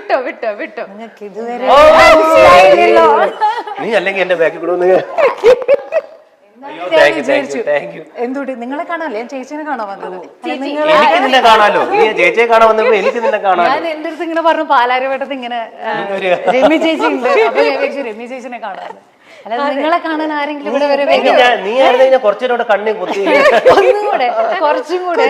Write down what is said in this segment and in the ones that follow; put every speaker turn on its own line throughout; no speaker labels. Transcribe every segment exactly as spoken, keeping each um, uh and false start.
വിട്ടോ വിട്ടോ വിട്ടോ
നിങ്ങൾക്ക് ഇതുവരെ
നീ അല്ലെങ്കിൽ എന്റെ ബാക്കിൽ കൂടെ
എന്തുകൊണ്ട് നിങ്ങളെ കാണാല്ലേ ഞാൻ ചേച്ചിനെ കാണാൻ വന്നത്.
എനിക്ക് നിന്നെ കാണാലോ, നീ ചേച്ചിയെ കാണാൻ വന്നപ്പോ എനിക്ക് നിന്നെ കാണാൻ.
ഞാൻ എന്റെ അടുത്ത് ഇങ്ങനെ പറഞ്ഞു പാലാരിവട്ടത്ത് ഇങ്ങനെ രമ്യ ചേച്ചി ഉണ്ട്, അപ്പൊ ഞാൻ വിചാരിച്ചു രമ്യ ചേച്ചിനെ കാണാൻ. അല്ലാതെ നിങ്ങളെ കാണാൻ ആരെങ്കിലും ഇവിടെ വരെ
നീ ആയിരുന്നു കുറച്ചുകൂടെ കണ്ണി കുത്തി
ഒന്നും കൂടെ കുറച്ചും കൂടെ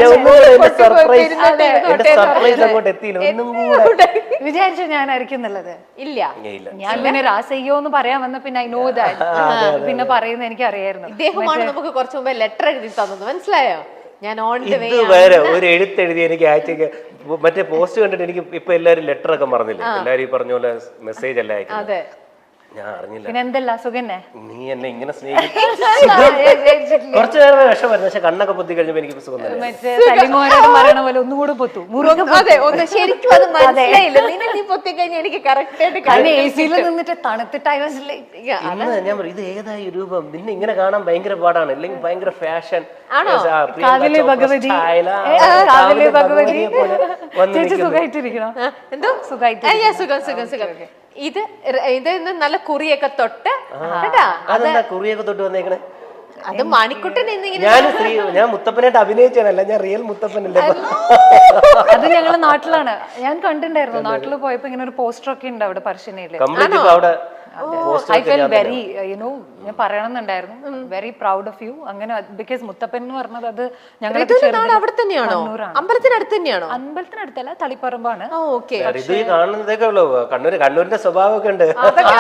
സർപ്രൈസ് അങ്ങോട്ട് എത്തിയില്ല. ഒന്നും കൂടെ
വിചാരിച്ചു ഞാനായിരിക്കും എന്നുള്ളത്.
ഇല്ല
ഞാൻ പിന്നെ രാസയ്യോ എന്ന് പറയാൻ വന്ന പിന്നെ ഐ നോ ദാറ്റ് പിന്നെ പറയുന്നത് എനിക്ക് അറിയായിരുന്നു.
ഇദ്ദേഹമാണ് നമുക്ക് കുറച്ചു മുമ്പേ ലെറ്റർ എഴുതി തന്നത്, മനസ്സിലായോ? ഞാൻ ഓൺ ദ വേ
വേറെ ഒരു എഴുത്തെഴുതി എനിക്ക് അയച്ചേക്ക്. മറ്റേ പോസ്റ്റ് കണ്ടിട്ട് എനിക്ക് ഇപ്പൊ എല്ലാരും ലെറ്റർ ഒക്കെ മറന്നില്ല, എല്ലാരും ഈ പറഞ്ഞ പോലെ മെസ്സേജ് അല്ല അയക്കുന്നത്. ഞാൻ അറിഞ്ഞില്ല.
പിന്നെ എന്തല്ല സുഖന്നെ
നീ എന്നെ ഇങ്ങനെ സ്നേഹിക്കും. കുറച്ചു നേരം വിഷമായിരുന്നു, പക്ഷെ കണ്ണൊക്കെ പൊത്തി കഴിഞ്ഞപ്പോ എനിക്ക് സുഖം തന്നെ.
മറ്റേ സലിമോനോട് പറയണ പോലെ ഒന്നുകൂടെ പൊത്തു.
അതെ ഒന്ന് ശരിക്കും അത് മനസ്സിലായില്ല. നിന്നെ നീ പൊത്തി കഴിഞ്ഞാൽ എനിക്ക് കറക്റ്റ് ആയിട്ട്
എ സിയിൽ നിന്നിട്ട് തണുത്തിട്ട് I was like,
ഇന്ന് ഞാൻ പറയും ഇത് ഏതായി രൂപം, നിന്നെ ഇങ്ങനെ കാണാൻ ഭയങ്കര പാടാണ്, അല്ലെങ്കിൽ ഭയങ്കര ഫാഷൻ.
കാവിലെ ഭഗവതി കാവിലെ ഭഗവതി ചേച്ചി സുഖമായിട്ടിരിക്കണോ?
എന്തോ
സുഖമായിട്ട്
സുഖം സുഖം സുഖം. ഇത് ഇത് നല്ല കുറിയൊക്കെ തൊട്ട്
അതെന്താ കുറിയൊക്കെ തൊട്ട് വന്നേക്കണേ?
അത് മണിക്കുട്ടൻ
ഞാൻ സ്ത്രീ ഞാൻ മുത്തപ്പനായിട്ട് അഭിനയിച്ചാണല്ല, ഞാൻ റിയൽ മുത്തപ്പനല്ലേ.
അത് ഞങ്ങളെ നാട്ടിലാണ്, ഞാൻ കണ്ടിട്ടുണ്ടായിരുന്നു. നാട്ടിൽ പോയപ്പോ ഇങ്ങനെ ഒരു പോസ്റ്റർ ഒക്കെ ഉണ്ട് അവിടെ പറശ്ശിനിയില്.
അവിടെ
ഐ ഫെൽ വെരി യുനോ ഞാൻ പറയണമെന്നുണ്ടായിരുന്നു, വെരി പ്രൗഡ് ഓഫ് യു. അങ്ങനെ ബിക്കോസ് മുത്തപ്പൻ എന്ന് പറഞ്ഞത് അത് ഞങ്ങൾ
അവിടെ തന്നെയാണോ? അമ്പലത്തിനടുത്ത് തന്നെയാണോ?
അമ്പലത്തിനടുത്തല്ല, തളിപ്പറമ്പാണ്.
കാണുന്നതൊക്കെ ഉള്ളൂ. കണ്ണൂര് കണ്ണൂരിന്റെ സ്വഭാവമൊക്കെ ഉണ്ട്.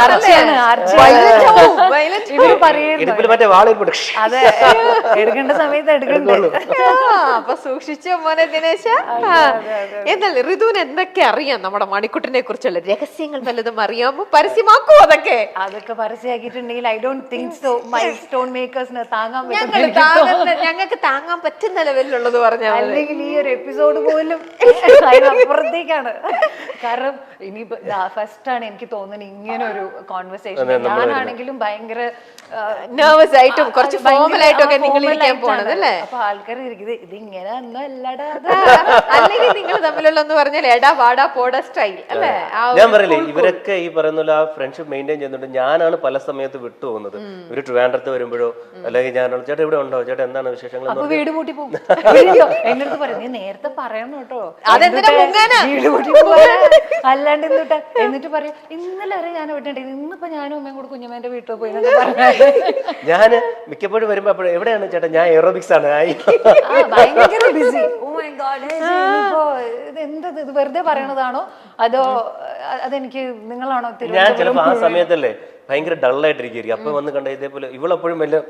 മറ്റേ വാളിൽ
അതെ, എടുക്കേണ്ട സമയത്ത് എടുക്കണ്ടേ.
അപ്പൊ സൂക്ഷിച്ചോ മോനെ ദിനേശ. എന്നല്ലേ ഋതുവിന് എന്തൊക്കെ അറിയാം നമ്മുടെ മണിക്കുട്ടനെ കുറിച്ചുള്ള രഹസ്യങ്ങൾ വല്ലതും അറിയാമോ? പരസ്യമാക്കോ? അതൊക്കെ
അതൊക്കെ പരസ്യമാക്കിയിട്ടുണ്ടെങ്കിൽ I don't think so my stone മേക്കേഴ്സിന് താങ്ങാൻ
ഞങ്ങൾക്ക് താങ്ങാൻ പറ്റുന്ന ലെവലിലുള്ളത് പറഞ്ഞാൽ,
അല്ലെങ്കിൽ ഈ ഒരു എപ്പിസോഡ് പോലും അപ്പുറത്തേക്കാണ്. കാരണം ഇനിയിപ്പോ ഫസ്റ്റ് ആണ് എനിക്ക് തോന്നുന്നത് ഇങ്ങനെ ഒരു കോൺവെർസേഷൻ. ഞാനാണെങ്കിലും ഭയങ്കര
നെർവസ് ആയിട്ടും കുറച്ച് ഫോർമൽ ആയിട്ടും ഒക്കെ നിങ്ങൾ ഇരിക്കാൻ പോണത് അല്ലേ?
അപ്പൊ ആൾക്കാർ ഇരിക്കുന്നത് ഇത് ഇങ്ങനെ ഒന്നും അല്ലടാ,
അല്ലെങ്കിൽ നിങ്ങൾ തമ്മിലുള്ള എന്ന് പറഞ്ഞാൽ എടാ വാടാ പോടാ സ്റ്റൈൽ അല്ലേ?
ഞാൻ പറയില്ലേ, ഇവരൊക്കെ ഈ പറയുന്ന ആ ഫ്രണ്ട്ഷിപ്പ് മെയിൻറ്റെയിൻ ചെയ്യുന്നുണ്ട്. ഞാനാണ് പല സമയത്ത് വിട്ടു പോകുന്നത്. ഒരു ട്രിവാൻഡ്രത്ത് വരുമ്പോഴോ അല്ലെങ്കിൽ ഞാനാണ് ചേട്ടാ ഇവിടെ ഉണ്ടോ, ചേട്ടാ എന്താണ് വിശേഷങ്ങൾ,
അപ്പൊ വീട് പൂട്ടി പോകും. എന്റെ അടുത്ത് പറയും നീ നേരത്തെ പറയണം കേട്ടോ, വീട് പൂട്ടി പോകാൻ അല്ലാണ്ട് എന്നിട്ട് എന്നിട്ട് പറയും ഇന്നലെ വരെ ഞാൻ വിട്ടിട്ടുണ്ട്, ഇന്നിപ്പോ ഞാനും അമ്മയും കൂടെ കുഞ്ഞമ്മേന്റെ വീട്ടിൽ പോയി
ഞാൻ മിക്കപ്പോഴും വരുമ്പോ അപ്പോഴും എവിടെയാണ് ചേട്ടാ, ഞാൻ എറോബിക്സ് ആണ്,
ഭയങ്കര ബിസി. ഓ മൈ ഗോഡ്, ഇത് എന്തത്, ഇത് വെറുതെ പറയണതാണോ അതോ അതെനിക്ക് നിങ്ങളാണോ?
ഞാൻ ചിലപ്പോ ആ സമയത്തല്ലേ ഭയങ്കര ഡള്ളായിട്ടിരിക്കും, അപ്പൊ വന്ന് കണ്ട ഇതേപോലെ ഇവളെപ്പോഴും വല്ല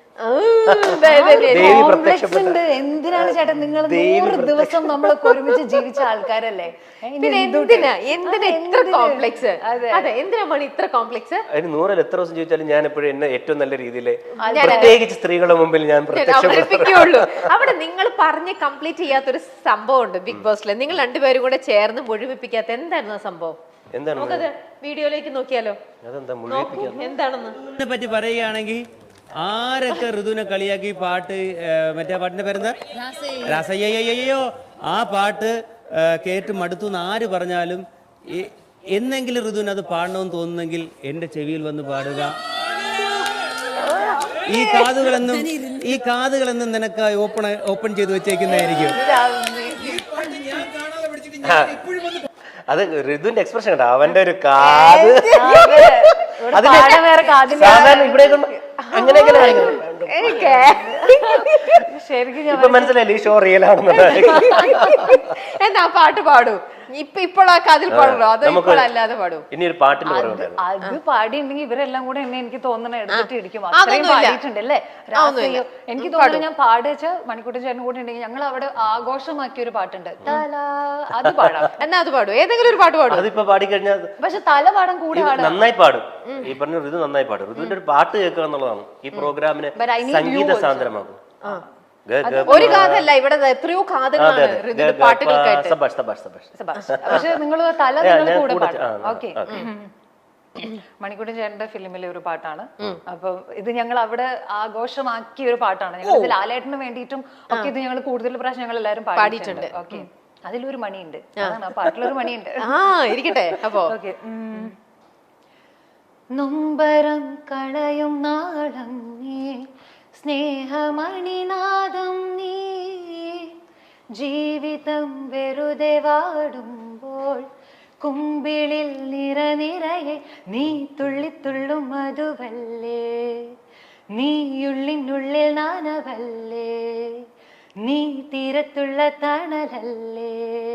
എന്തിനാണ് ചേട്ടാൻ നിങ്ങൾ നൂറ് ദിവസം നമ്മളൊക്കെ ഒരുമിച്ച് ജീവിച്ച ആൾക്കാരല്ലേ,
പിന്നെ എന്തിനാ എന്തിനാ ഇത്ര കോംപ്ലക്സ്? അതെ, എന്തിനാ മണി ഇത്ര കോംപ്ലക്സ്?
അതിന് നൂറിൽ എത്ര ദിവസം ചോദിച്ചാലും ഞാൻ എപ്പോഴും എന്നെ ഏറ്റവും നല്ല രീതിയിൽ പ്രത്യേകിച്ച് സ്ത്രീകളുടെ മുമ്പിൽ ഞാൻ
അവതരിപ്പിക്കുള്ളൂ. അവിടെ നിങ്ങൾ പറഞ്ഞ് കംപ്ലീറ്റ് ചെയ്യാത്തൊരു സംഭവം ഉണ്ട് ബിഗ് ബോസിൽ, നിങ്ങൾ രണ്ടുപേരും കൂടെ ചേർന്ന് മുഴുമിപ്പിക്കാത്ത എന്തായിരുന്നു ആ സംഭവം?
എന്താണ്
നമുക്കത് വീഡിയോയിലേക്ക് നോക്കിയാലോ എന്താണെന്ന്
പറ്റി പറയുകയാണെങ്കിൽ ആരൊക്കെ ഋതുവിനെ കളിയാക്കി പാട്ട് മറ്റേ പാട്ടിന്റെ പേരെന്താ രാസയ്യോ ആ പാട്ട് കേട്ട് മടുത്തു എന്ന് ആര് പറഞ്ഞാലും എന്നെങ്കിലും ഋതുവിന് അത് പാടണമെന്ന് തോന്നുന്നെങ്കിൽ എന്റെ ചെവിയിൽ വന്ന് പാടുക. ഈ കാതുകളെന്നും ഈ കാതുകളെന്നും നിനക്ക് ഓപ്പൺ ഓപ്പൺ ചെയ്ത് വെച്ചേക്കുന്നതായിരിക്കും.
അത് ഋതുവിന്റെ എക്സ്പ്രഷൻ കേട്ടോ, അവന്റെ ഒരു കാത് സാധാരണ ഇവിടെ അങ്ങനെയൊക്കെ ഇപ്പൊ മനസ്സിലായില്ലേ ഈ ഷോ റിയൽ ആണെന്നുള്ളത്.
എന്നാ പാട്ട് പാടൂ, ഇപ്പൊ ഇപ്പോൾ ആ കാതിൽ പാടുള്ളൂ, അത് അല്ലാതെ പാടൂ.
ഇനി ഒരു പാട്ടിന്റെ
അത് പാടിയിട്ടുണ്ടെങ്കിൽ ഇവരെല്ലാം കൂടെ എന്നെ എനിക്ക് തോന്നുന്നത് എടുത്തിട്ട് ഇടിക്കും. അത്രയും പാടിയിട്ടുണ്ട് അല്ലേ രാസയ്യോ. എനിക്ക് തോന്നുന്നു ഞാൻ പാടിച്ച മണിക്കൂട്ടൻ ചേട്ടൻ കൂടെ ഉണ്ടെങ്കിൽ ഞങ്ങൾ അവിടെ ആഘോഷമാക്കിയ ഒരു പാട്ടുണ്ട്, അത് പാടാം.
എന്നാ അത് പാടും, ഏതെങ്കിലും ഒരു പാട്ട് പാടും.
അതിപ്പോ പാടിക്കഴിഞ്ഞാൽ
പക്ഷെ തല പാടാൻ കൂടെ
നന്നായി പാടും. ഈ പറഞ്ഞ ഋതു നന്നായി പാടും. ഋതുവിന്റെ ഒരു പാട്ട് കേൾക്കുക എന്നുള്ളതാണ് ഈ പ്രോഗ്രാമിനെ സംഗീത സാന്ദ്രമാകും.
ഒരു കാതല്ല, ഇവിടെ എത്രയോ കാതുകളാണ് പാട്ടുകൾക്കായിട്ട്.
പക്ഷെ നിങ്ങൾ തല നിങ്ങൾ കൂടെ പാടും. ഓക്കെ, മണിക്കൂട്ടൻ ചേട്ടന്റെ ഫിലിമിലെ ഒരു പാട്ടാണ്. അപ്പൊ ഇത് ഞങ്ങൾ അവിടെ ആഘോഷമാക്കിയ ഒരു പാട്ടാണ്. ഞങ്ങൾ ലാലേട്ടന് വേണ്ടിയിട്ടും ഒക്കെ ഇത് ഞങ്ങൾ കൂടുതൽ പ്രാവശ്യം ഞങ്ങൾ എല്ലാവരും പാടിയിട്ടുണ്ട്. ഓക്കെ, അതിലൊരു മണിയുണ്ട്, അതാണ് ആ പാട്ടിലൊരു മണിയുണ്ട്.
ആ ഇരിക്കട്ടെ അപ്പോ.
ഓക്കെ. നൊമ്പരം കളയും നാളം നീ, സ്നേഹമണിനാദം നീ, ജീവിതം വെറുതെ വാടുമ്പോൾ കുമ്പിളിൽ നിറനിറയെ നീ തുള്ളിത്തുള്ളും മധുവല്ലേ, നീയുള്ളിനുള്ളിൽ നാനവല്ലേ, നീ തീരത്തുള്ള തണലല്ലേ,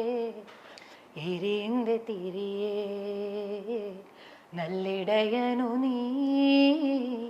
എരിന്റെ തിരിയേ നല്ലിടയനു നീ.